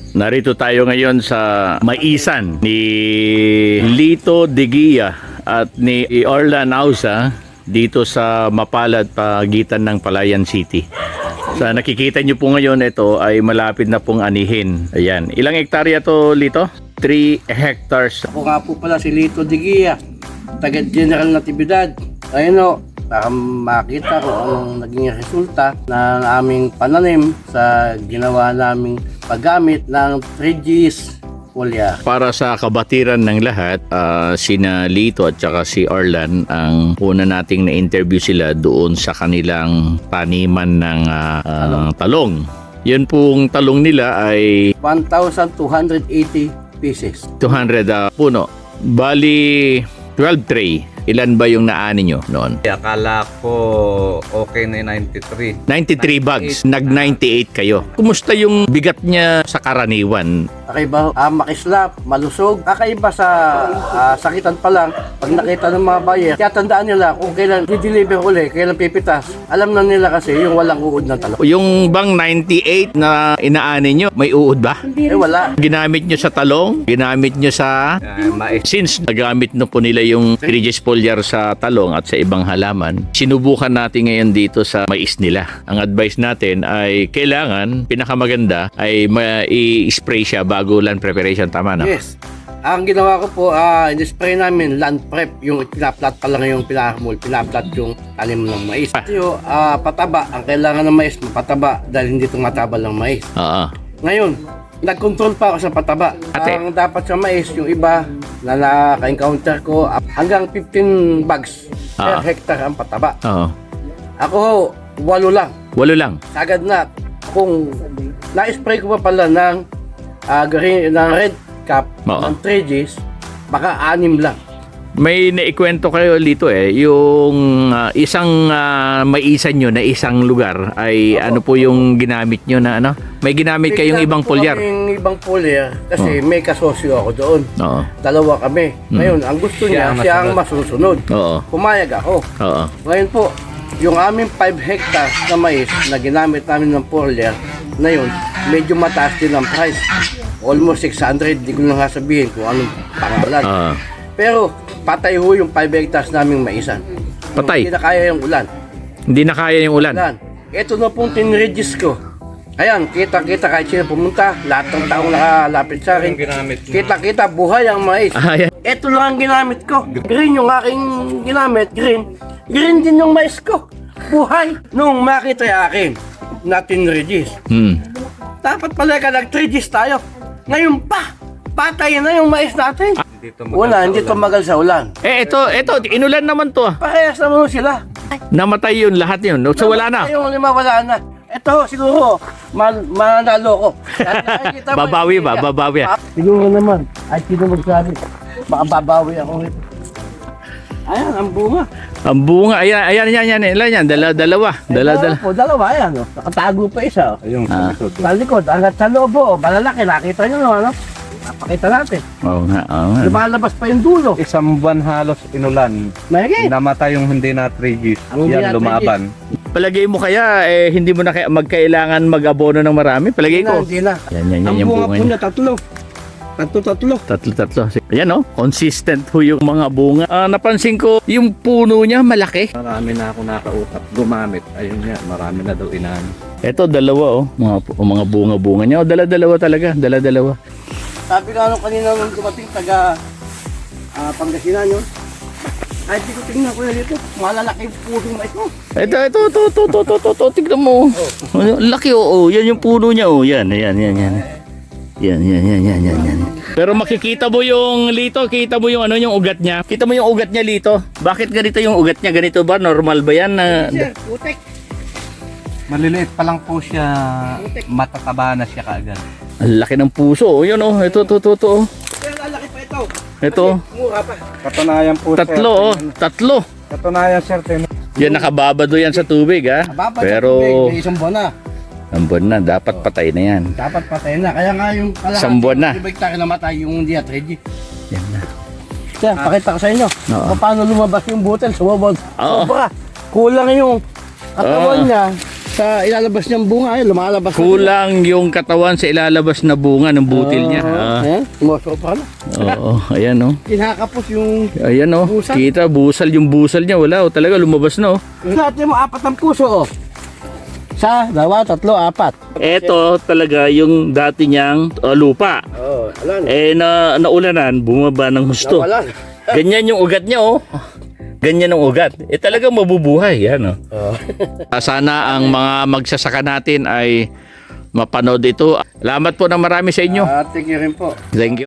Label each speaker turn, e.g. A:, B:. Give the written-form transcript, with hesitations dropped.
A: Narito tayo ngayon sa maisan ni Lito Deguia at ni Orlan Ausa dito sa Mapalad, pagitan ng Palayan City. Sa nakikita nyo po ngayon, ito ay malapit na pong anihin. Ayan. Ilang hektarya to, Lito? 3 hectares.
B: Ako nga po pala si Lito Deguia, taga General Natividad. Ayun o, para makita ko anong naging resulta ng aming pananim sa ginawa naming paggamit ng 3Gs Foliar.
A: Para sa kabatiran ng lahat, sina Lito at saka si Orlan, ang una nating na-interview sila doon sa kanilang taniman ng talong. Yun pong talong nila ay
B: 1,280 pieces.
A: 200 puno. Bali, 12 tray. Ilan ba yung naani nyo noon?
C: Akala ko okay na yung 93.
A: 93 bags. Nag-98 kayo. Kumusta yung bigat niya sa karaniwan?
B: Kakaiba, makislap, malusog. Kakaiba sa sakitan pa lang. Pag nakita ng mga buyer, kaya tandaan nila kung kailan i-deliver ulit, kailan pipitas. Alam na nila kasi yung walang uod ng talong.
A: Yung bang 98 na inaani nyo, may uod ba?
B: Wala.
A: Ginamit nyo sa talong? Ginamit nyo sa...
C: Mais.
A: Since nagamit na po nila yung 3Gs foliar sa talong at sa ibang halaman, sinubukan natin ngayon dito sa mais nila. Ang advice natin ay kailangan, pinakamaganda, ay i-spray siya bago land preparation. Tama na?
B: Yes. Ang ginawa ko po, in-spray namin land prep, yung pinaplat pa lang yung pinaplat yung tanim ng mais. Yung pataba, ang kailangan ng mais, mapataba dahil hindi tumatabal ng mais.
A: Oo.
B: Ngayon, nag-control pa ako sa pataba.
A: Ate.
B: Ang dapat sa mais, yung iba na naka-encounter ko, hanggang 15 bags per hectare ang pataba.
A: Oo.
B: Ako, 8 lang.
A: 8 lang.
B: Sagad na. Kung na-spray ko pa pala ng red cap ng 3Gs, baka 6 lang.
A: May naikwento kayo dito yung isang maisan nyo na isang lugar ay ano po yung ginamit nyo na ano? May ginamit kayong ibang foliar?
B: May ibang foliar kasi may kasosyo ako doon.
A: Oo.
B: Dalawa kami. Ngayon, ang gusto niya, siya ang masusunod.
A: Oo.
B: Pumayag ako.
A: Oo.
B: Ngayon po, yung aming 5 hectares na mais na ginamit namin ng foliar, na yun, medyo mataas din ang price. Almost 600, di ko na nga sabihin kung anong pangalan. Pero patay ho yung 5 hectares naming maisan.
A: Patay?
B: Hindi na kaya yung ulan.
A: Hindi na kaya yung ulan?
B: Ito na pong tinregis ko. Ayan, kita-kita kahit sino pumunta, lahat ng taong nakalapit sa akin. Kita-kita, buhay ang mais.
A: Yan.
B: Ito lang ang ginamit ko. Green yung aking ginamit, green. Green din yung mais ko. Buhay. Nung makita yung akin na tinregis. Dapat pala ka nag-3Gs tayo. Ngayon pa, patay na yung mais natin. Hindi tumagal sa ulan.
A: Ito, inulan naman to.
B: Parehas naman sila.
A: Namatay yun, lahat yun. So wala na.
B: Yung 5 wala na. Ito, siguro, manalo ko.
A: Babawi ba? Babawi.
B: Siguro naman. Ay, sino magsabi? Baka babawi ako rito. Ayan, ang bunga.
A: Ang bunga, ayan. Ilan yan? Dalawa.
B: Dalawa, ayan. Nakatago pa isa.
C: Ayun,
B: Sa likod, hanggat sa loob, malalaki. Nakita nyo, no? Ano? Napakita natin.
A: Oo nga.
B: Lumalabas pa yung dulo.
C: isang buwan halos inulan.
B: Mahigit.
C: Namatay yung hindi na 3Gs.
B: Ang hindi
C: Yan,
B: na
C: lumaban.
A: Palagay mo kaya, hindi mo na magkailangan mag-abono ng marami? Palagay ko.
B: Hindi na.
A: Yan
B: Ang
A: yung
B: bunga
A: bunga
B: po
A: niya.
B: niya, tatlo.
A: Tatlo. Ayan consistent ho yung mga bunga. Napansin ko, yung puno niya malaki.
C: Marami na ako nakausap. Gumamit. Ayun nga, marami na daw inaan.
A: Ito, dalawa mga bunga-bunga niya. Dala-dalawa talaga. Dala-dalawa.
B: Sabi ka kanina nung dumating taga Pangasinan yun. Ay, di ko tingnan ko dito. Malalaki yung pusong mais mo.
A: Ito. Tignan mo. Laki Yan yung puno niya Yan. Yan. Pero makikita mo yung Lito, kita mo yung yung ugat niya. Kita mo yung ugat niya, Lito. Bakit ganito yung ugat niya? Ganito ba? Normal ba yan?
B: Sir, putek.
C: Maliliit pa lang po siya. Matataba na siya kaagad.
A: Ang laki ng puso. Yan Ito.
B: Sir, lalaki pa ito.
A: Ito.
B: Mura pa.
C: Katunayan po,
A: Tatlo.
C: Katunayan, sir.
A: Yan, nakababado yan sa tubig, ha? Pero,
B: may isang buwan na.
A: ang buwan na, dapat patay na yan.
B: Dapat patay na. Kaya nga yung
A: Isang buwan na.
B: Ibig tayo namatay yung hindi at ready.
A: Yan na.
B: Sir, pakita ko sa inyo.
A: Oo.
B: Kung paano lumabas yung butel. Sumabog.
A: Oo.
B: Sobra. Kulang yung katawan niya. sa ilalabas niyang bunga, ay lumalabas.
A: Kulang yung katawan sa ilalabas na bunga ng butil niya.
B: Ayan, tumusok pa na.
A: Oo, ayan oh.
B: Kinakapos yung...
A: Ayan oh.
B: Busal?
A: Kita, busal yung busal niya. Wala oh, talaga lumabas na oh.
B: Natin mo, 4 ang puso, oh. 1, 2, 3, 4.
A: Ito talaga yung dati niyang lupa.
B: Oh, alam.
A: Naulanan, bumaba ng husto.
B: Nawalan.
A: Ganyan yung ugat niya oh. Ganyan ang ugat. Talagang mabubuhay. Yan oh. Sana ang mga magsasaka natin ay mapanood ito. Salamat po ng marami sa inyo.
B: Thank you rin po.
A: Thank you.